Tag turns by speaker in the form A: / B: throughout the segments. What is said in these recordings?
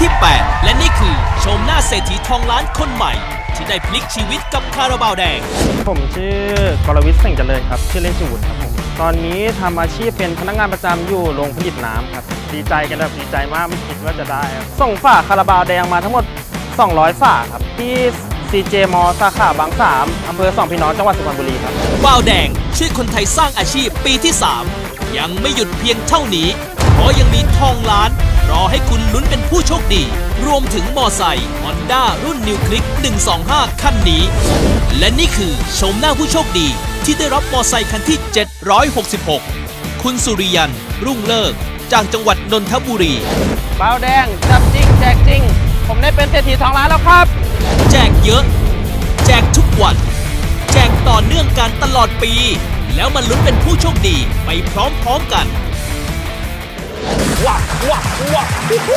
A: ที่ 8 และนี่คือชมหน้าเศรษฐีทองล้านคนใหม่ที่ได้พลิกชีวิตกับคาราบาวแดง
B: ผมชื่อกรวิทย์เส่งเจริญครับชื่อเล่นชื่อวุฒิครับผมตอนนี้ทำอาชีพเป็นพนักงานประจำอยู่โรงผลิตน้ำครับดีใจกันแบบดีใจมากไม่คิดว่าจะได้ครับส่งฝาคาราบาวแดงมาทั้งหมด200ฝาครับที่CJ มอสาขาบางสามอำเภอสองพี่น้องจังหวัดสุพรรณบุรีครับ
A: บาวแดงช่วยคนไทยสร้างอาชีพปีที่ 3ยังไม่หยุดเพียงเท่านี้เพราะยังมีทองล้านรอให้คุณลุ้นเป็นผู้โชคดีรวมถึงมอไซค์ Honda รุ่น New Click 125 คันนี้และนี่คือชมหน้าผู้โชคดีที่ได้รับมอไซค์คันที่ 766 คุณสุริยันรุ่งเลิกจากจังหวัดนนทบุรี
B: บาวแดงจับจริงแจกจริงผมได้เป็นเศรษฐีทองล้านแล้วครับ
A: แจกเยอะแจกทุกวันแจกต่อเนื่องกันตลอดปีแล้วมาลุ้นเป็นผู้โชคดีไปพร้อมๆกัน
C: ว้าวว้าวว้าว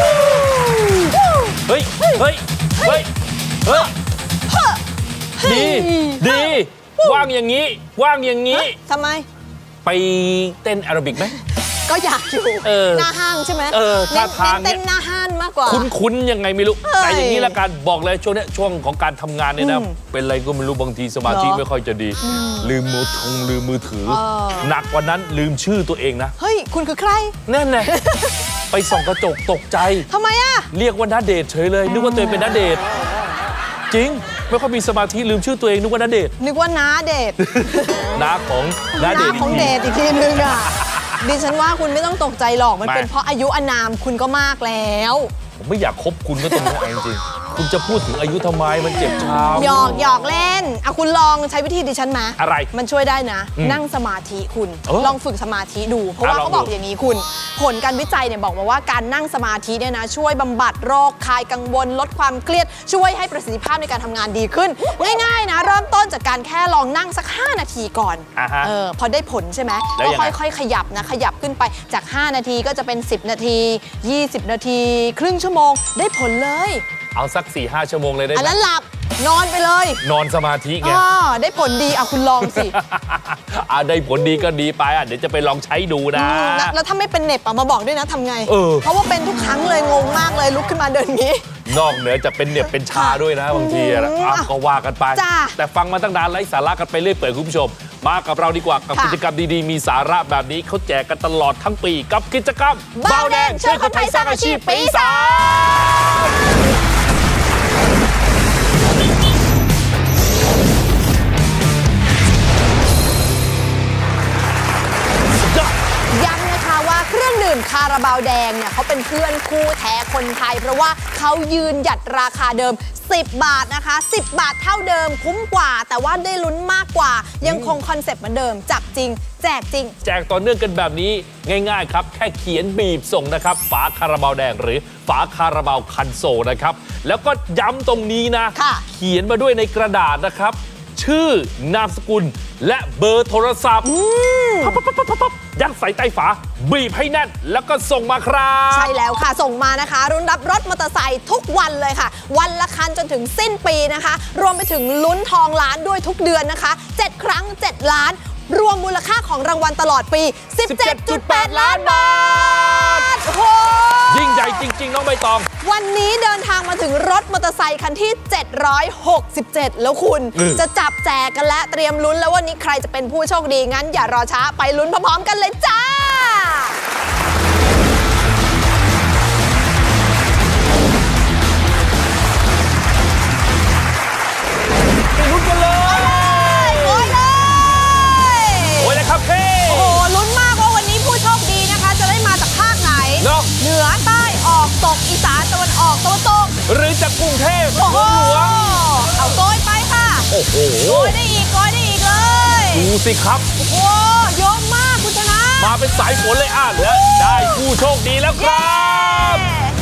C: เฮ้ยเฮ้ยเฮ้ยเฮ้ยดีว่างอย่างนี้
D: ทำไม
C: ไปเต้นแอโรบิกไหม
D: ก็อยากอยู่หน้าห้างใช่ไหม
C: ท่าทาง
D: เต้นหน้าห้างมากกว่า
C: คุ้นยังไงไม่รู้แต่อย่างนี้ละกันบอกเลยช่วงของการทำงานเนี่ยนะเป็นอะไรก็ไม่รู้บางทีสมาธิไม่ค่อยจะดีลืมมือถือหนักกว่านั้นลืมชื่อตัวเองนะ
D: เฮ้ยคุณคือใคร
C: นั่นไงไปส่องกระจกตกใจ
D: ทำไมอะ
C: เรียกว่าณเดชน์เฉยเลยนึกว่าตัวเองเป็นณเดชน์จริงไม่ค่อยมีสมาธิลืมชื่อตัวเองนึกว่าณเดชน์
D: นึกว่าน้าเดช
C: น้าของณเดชน์
D: ของเดชอีกทีนึงอะดิฉันว่าคุณไม่ต้องตกใจหรอกมันเป็นเพราะอายุอานามคุณก็มากแล้ว
C: ผมไม่อยากคบคุณก็ตรงนี้จริงๆคุณจะพูดถึงอายุทำไมมันเจ็บช้ำ
D: หยอกเล่นอ่ะคุณลองใช้วิธีดิฉันมา
C: อะไร
D: มันช่วยได้นะนั่งสมาธิคุณลองฝึกสมาธิดูเพราะว่าเขาบอกอย่างนี้คุณผลการวิจัยเนี่ยบอกมาว่าการนั่งสมาธิเนี่ยนะช่วยบำบัดโรคคลายกังวลลดความเครียดช่วยให้ประสิทธิภาพในการทำงานดีขึ้นง่ายๆนะเริ่มต้นจากการแค่ลองนั่งสัก5นาทีก่อนพอได้ผลใช่ไหมก็ค่อยๆขยับนะขยับขึ้นไปจาก5นาทีก็จะเป็น10นาที20นาทีครึ่งชั่วโมงได้ผลเลย
C: เอาสัก 4-5 ชั่วโมงเลยได้ไหม
D: อันนั้นหลับนอนไปเลย
C: นอนสมาธิไง
D: ได้ผลดีอ่ะคุณลองสิ
C: ได้ผลดีก็ดีไปเดี๋ยวจะไปลองใช้ดูนะ
D: แล้วถ้าไม่เป็นเหน็บมาบอกด้วยนะทำไงเพราะว่าเป็นทุกครั้งเลยงงมากเลยลุกขึ้นมาเดินงี้
C: นอกเหนือจะเป็นเหน็บเป็นชาด้วยนะบางทีก็ว่ากันไปแต่ฟังมาตั้งนานไร้สาระกันไปเรื่อยเปื่อยคุณผู้ชมมากับเราดีกว่ากับกิจกรรมดีๆมีสาระแบบนี้เขาแจกกันตลอดทั้งปีกับกิจกรรม
D: บาวแดงช่วยคนไทยสร้างอาชีพปี 3ย้ำนะคะว่าเครื่องดื่มคาราบาวแดงเนี่ยเขาเป็นเพื่อนคู่แท้คนไทยเพราะว่าเขายืนหยัดราคาเดิม10 บาทนะคะ10 บาทเท่าเดิมคุ้มกว่าแต่ว่าได้ลุ้นมากกว่ายังคงคอนเซ็ปต์เหมือนเดิมจับจริงแจกจริง
C: แจกต่อเนื่องกันแบบนี้ง่ายๆครับแค่เขียนบีบส่งนะครับฝาคาราบาวแดงหรือฝาคาราบาวคันโซลนะครับแล้วก็ย้ำตรงนี้นะเขียนมาด้วยในกระดาษนะครับชื่อนามสกุลและเบอร์โทรศัพท์ยัดใส่ใต้ฝาบีบให้แน่นแล้วก็ส่งมาครับ
D: ใช่แล้วค่ะส่งมานะคะรุ่นรับรถมอเตอร์ไซค์ทุกวันเลยค่ะวันละคันจนถึงสิ้นปีนะคะรวมไปถึงลุ้นทองล้านด้วยทุกเดือนนะคะ7ครั้ง7ล้านรวมมูลค่าของรางวัลตลอดปี 17.8 ล้านบาทโอ้โห
C: ยิ่งใหญ่จริงๆน้องใบตอง
D: วันนี้เดินทางมาถึงรถมอเตอร์ไซค์คันที่767แล้วคุณจะจับแจกกันและเตรียมลุ้นแล้ววันนี้ใครจะเป็นผู้โชคดีงั้นอย่ารอช้าไปลุ้นพร้อมๆกันเลยจ้า
C: ไปลุ้นกันเลย
D: โอ้ย
C: เลยครับพี่
D: โอ้โหลุ้นมากว่าวันนี้ผู้โชคดีนะคะจะได้มาจากภาคไหนเหนือใต้ออกตกอีสานตะวันออกตะวันตก
C: หรือจากกรุงเทพเมืองหลวง
D: เอาโกยไปค่ะ
C: โอ้โห
D: โกยได้อีกเลย
C: ดูสิครับ
D: โอ้โหเยอะมากคุณชนะ
C: มาเป็นสายฝนเลยและได้ผู้โชคดีแล้วครับ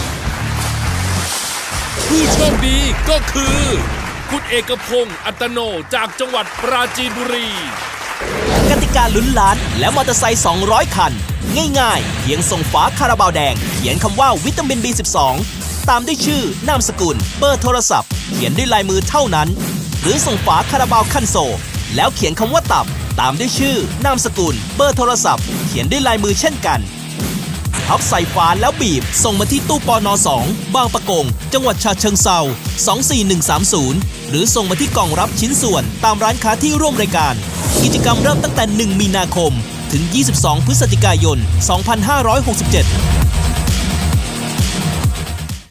A: ผู้โชคดีก็คือคุณเอกพงศ์อัตโนจากจังหวัดปราจีนบุรีกติกาลุ้นล้านและมอเตอร์ไซค์200 คันง่ายๆเพียงส่งฝาคาราบาวแดงเขียนคำว่าวิตามิน B12 ตามด้วยชื่อนามสกุลเบอร์โทรศัพท์เขียนด้วยลายมือเท่านั้นหรือส่งฝาคาราบาวคันโซลแล้วเขียนคำว่าตับตามด้วยชื่อนามสกุลเบอร์โทรศัพท์เขียนด้วยลายมือเช่นกันพับใส่ฝาแล้วบีบส่งมาที่ตู้ปน2 บางปะกง จังหวัดฉะเชิงเทรา24130 หรือส่งมาที่กล่องรับชิ้นส่วนตามร้านค้าที่ร่วมรายการกิจกรรมเริ่มตั้งแต่ 1 มีนาคมถึง 22 พฤศจิกายน 2567